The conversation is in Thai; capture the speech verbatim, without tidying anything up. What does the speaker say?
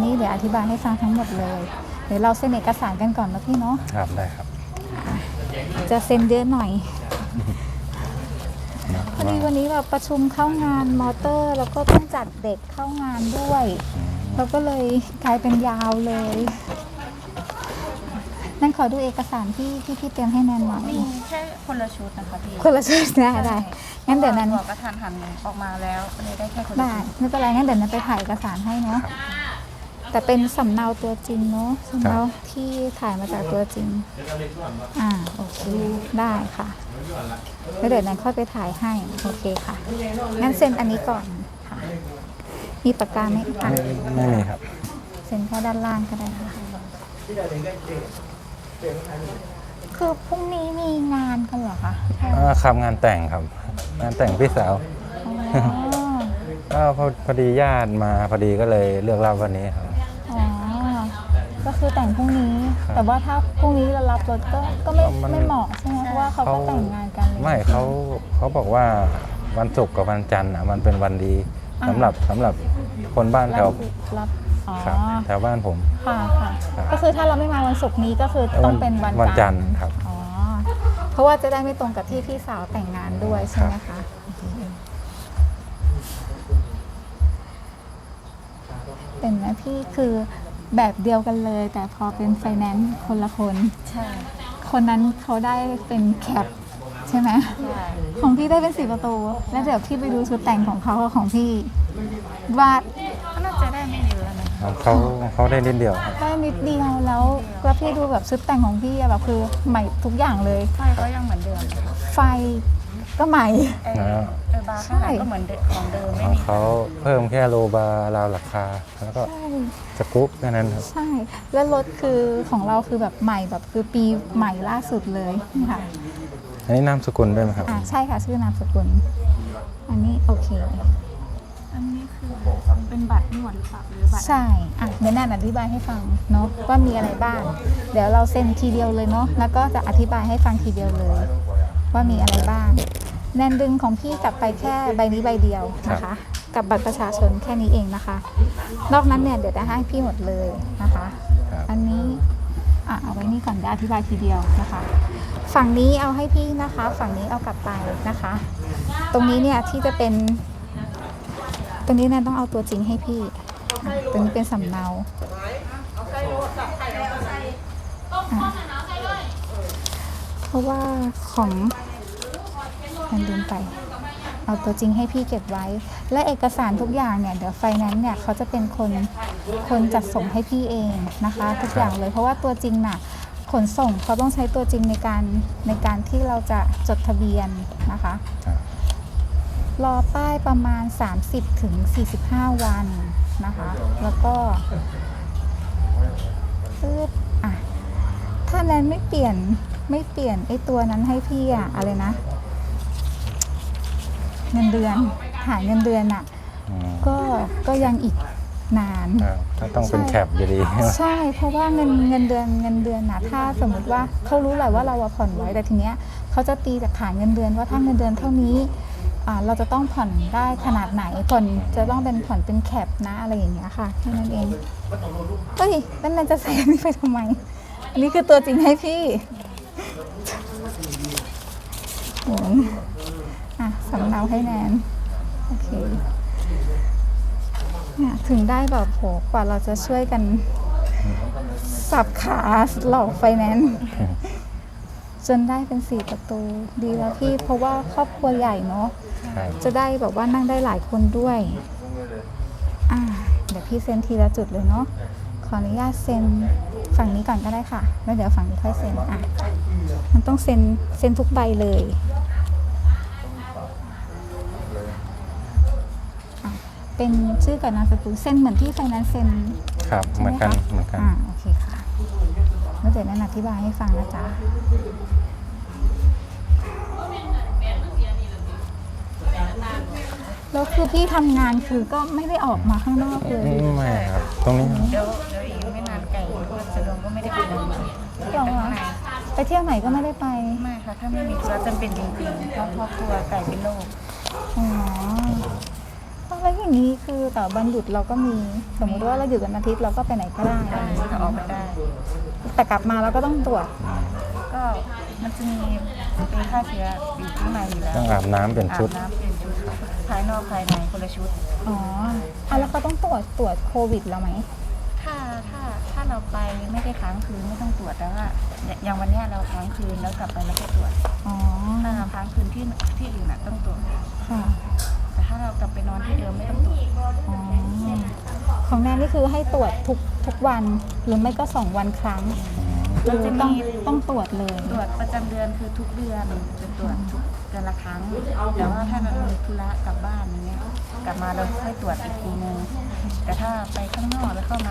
นี้เดี๋ยวอธิบายให้ฟังทั้งหมดเลยเดี๋ยวเราเซ็นเอกสารกันก่อนนะพี่เนาะครับได้ครับจะเซ็นเยอะหน่อยพอดีวันนี้แบบประชุมเข้างานมอเตอร์แล้วก็ต้องจัดเด็กเข้างานด้วยเราก็เลยกลายเป็นยาวเลยนั่นขอดูเอกสารที่ที่พี่เตรียมให้แนนหน่อยมีแค่คนละชุดนะคะพี่คนละชุดได้ได้งั้นเดี๋ยวนั้นบอกกระทันหันออกมาแล้วก็เลยได้แค่คนละได้ไม่เป็นไรงั้นเดี๋ยวนั้นไปถ่ายเอกสารให้เนาะแต่เป็นสำเนาตัวจริงเนาะสำเนาที่ถ่ายมาจากตัวจริงอ่าโอเคได้ค่ะแล้วเดี๋ยวนั้นค่อยไปถ่ายให้โอเคค่ะงั้นเซ็นอันนี้ก่อนค่ะมีปากกาไหมคะไม่มีครับเซ็นแค่ด้านล่างก็ได้ค่ะคือพรุ่งนี้มีงานกันเหรอคะครับงานแต่งครับงานแต่งพี่สาวก็พอดีญาติมาพอดีก็เลยเลือกรับวันนี้ครับอ๋อก็คือแต่งพรุ่งนี้แต่ว่าถ้าพรุ่งนี้เรารับรถก็ก็ไม่ไม่เหมาะใช่ไหมเพราะว่าเขาก็แต่งงานกันเลยไม่เขาเขาบอกว่าวันศุกร์กับวันจันทร์อ่ะมันเป็นวันดีสำหรับสำหรับคนบ้านแถวรับแถวบ้านผมค่ะค่ะก็คือถ้าเราไม่มาวันศุกร์นี้ก็คือต้องเป็นวันจันทร์ครับอ๋อเพราะว่าจะได้ไม่ตรงกับที่พี่สาวแต่งงานด้วยใช่ไหมคะเป็นนะพี่คือแบบเดียวกันเลยแต่พอเป็นไฟแนนซ์คนละคนใช่คนนั้นเขาได้เป็นแคปใช่ไหมใช่ของพี่ได้เป็นสี่ประตูแล้วเดี๋ยวพี่ไปดูชุดแต่งของเขากับของพี่วาดก็น่าจะได้ไม่เยอะนะเขาเขาได้นิดเดียวได้นิดเดียวแล้วก็พี่ดูแบบชุดแต่งของพี่แบบคือใหม่ทุกอย่างเลยไฟก็ยังเหมือนเดิมไฟก็ใหม่เออบาร์ข้างหลังก็เหมือนของเดิมไม่มีเขาเพิ่มแค่โลบาร์ราวราคาแล้วก็สกู๊ปแค่นั้นครับใช่แล้วรถคือของเราคือแบบใหม่แบบคือปีใหม่ล่าสุดเลยค่ะอันนี้นามสกุลด้วยไหมครับอ่าใช่ค่ะชื่อนามสกุลอันนี้โอเคอันนี้คือเป็นบัตรนวดหรือเปล่าหรือบัตรใช่อ่ะเดี๋ยวแนนอธิบายให้ฟังเนาะว่ามีอะไรบ้างเดี๋ยวเราเซ็นทีเดียวเลยเนาะแล้วก็จะอธิบายให้ฟังทีเดียวเลยว่ามีอะไรบ้างแนนดึงของพี่กลับไปแค่ใบนี้ใบเดียวนะคะกับบัตรประชาชนแค่นี้เองนะคะนอกนั้นเนี่ยเดี๋ยวจะให้พี่หมดเลยนะคะอันนี้อ่ะเอาไว้นี่ก่อนเดี๋ยวอธิบายทีเดียวนะคะฝั่งนี้เอาให้พี่นะคะฝั่งนี้เอากลับไปนะคะตรงนี้เนี่ยที่จะเป็นตรงนี้แนนต้องเอาตัวจริงให้พี่ตรงนี้เป็นสำเนาเพราะว่าของแนนลืมไปเอาตัวจริงให้พี่เก็บไว้และเอกสารทุกอย่างเนี่ยเดี๋ยวไฟแนนซ์เนี่ยเขาจะเป็นคนคนจัดส่งให้พี่เองนะคะทุกอย่างเลยเพราะว่าตัวจริงน่ะขนส่งเขาต้องใช้ตัวจริงในการในการที่เราจะจดทะเบียนนะคะรอป้ายประมาณ สามสิบถึงสี่สิบห้า วันนะคะแล้วก็ปึ๊บอ่ะถ้าแนนไม่เปลี่ยนไม่เปลี่ยนไอ้ตัวนั้นให้พี่อะอะไรนะเงินเดือนหาเงินเดือนอะก็ก็ยังอีกนานก็ต้องเป็นแคปอยู่ดีใช่เพราะว่าเงินเงินเดือนเงินเดือนนะถ้าสมมติว่าเขารู้แหละว่าเราผ่อนไว้แต่ทีเนี้ยเขาจะตีจากฐานเงินเดือนว่าถ้าเงินเดือนเท่านี้เราจะต้องผ่อนได้ขนาดไหนผ่อนจะต้องเป็นผ่อนเป็นแคปนะอะไรอย่างเงี้ยค่ะแค่นั้นเองเฮ้ยนั่นนั่นจะใส่นี่ไปทำไมอันนี้คือตัวจริงให้พี่อ่ะสำเนาให้แนนโอเคเนี่ยถึงได้แบบโหกว่าเราจะช่วยกันสับขาหลอกไฟแนนซ์จนได้เป็นสี่ประตูดีแล้วพี่เพราะว่าครอบครัวใหญ่เนาะจะได้แบบว่านั่งได้หลายคนด้วยอ่าเดี๋ยวพี่เซ็นทีละจุดเลยเนาะขออนุญาตเซ็นฝั่งนี้ก่อนก็ได้ค่ะแล้วเดี๋ยวฝั่งนี้ค่อยเซ็นอ่ะมันต้องเซ็นเซ็นทุกใบเลยเป็นชื่อกับนามสกุลเซ็นเหมือนที่ไฟแนนซ์เซ็นครับเหมือนกันเหมือนกันอ่าโอเคค่ะแล้วเดี๋ยวแนนอธิบายให้ฟังนะจ๊ะแล้วคือพี่ทำงานคือก็ไม่ได้ออกมาข้างนอกเลยไม่ครับตรงนี้เดี๋ยวเดี๋ยวอีกไม่นานไก่ก็สะดวกก็ไม่ได้ไปไหนหรอไปเที่ยวไหนก็ไม่ได้ไปไม่ค่ะถ้าไม่มีธุระจำเป็นจริงๆเพราะครอบครัวไก่เป็นโรคอ๋อแล้วอย่างนี้คือแต่วันหยุดเราก็มีสมมติว่าเราหยุดวันอาทิตย์เราก็ไปไหนก็ได้ได้ก็ออกไปได้แต่กลับมาเราก็ต้องตรวจก็มันจะมีเป็นฆ่าเชื้ออยู่ข้างในอยู่แล้วต้องอาบน้ำเป็นชุดอาบน้ำเป็นชุดภายนอกภายในคนละชุดอ๋ออ่ะแล้วเขาต้องตรวจตรวจโควิดเราไหมถ้าถ้าถ้าเราไปไม่ได้ค้างคืนไม่ต้องตรวจแต่ว่าอย่างวันเนี้ยเราค้างคืนแล้วกลับไปแล้วก็ตรวจอ๋อถ้าเราค้างคืนที่ที่อื่นน่ะต้องตรวจค่ะแต่ถ้าเรากลับไปนอนที่เดิมไม่ต้องตรวจอ๋อของแนนนี่คือให้ตรวจทุกทุกวันหรือไม่ก็สองวันครั้งมันจะต้องมีต้องตรวจเลยตรวจประจำเดือนคือทุกเดือนจะตรวจทุกเดือนละครั้ง แต่ว่าถ้าเรามีธุระกลับบ้านอย่างเงี้ยกลับมาเราค่อยตรวจอีกทีนึงแต่ถ้าไปข้างนอกแล้วเข้ามา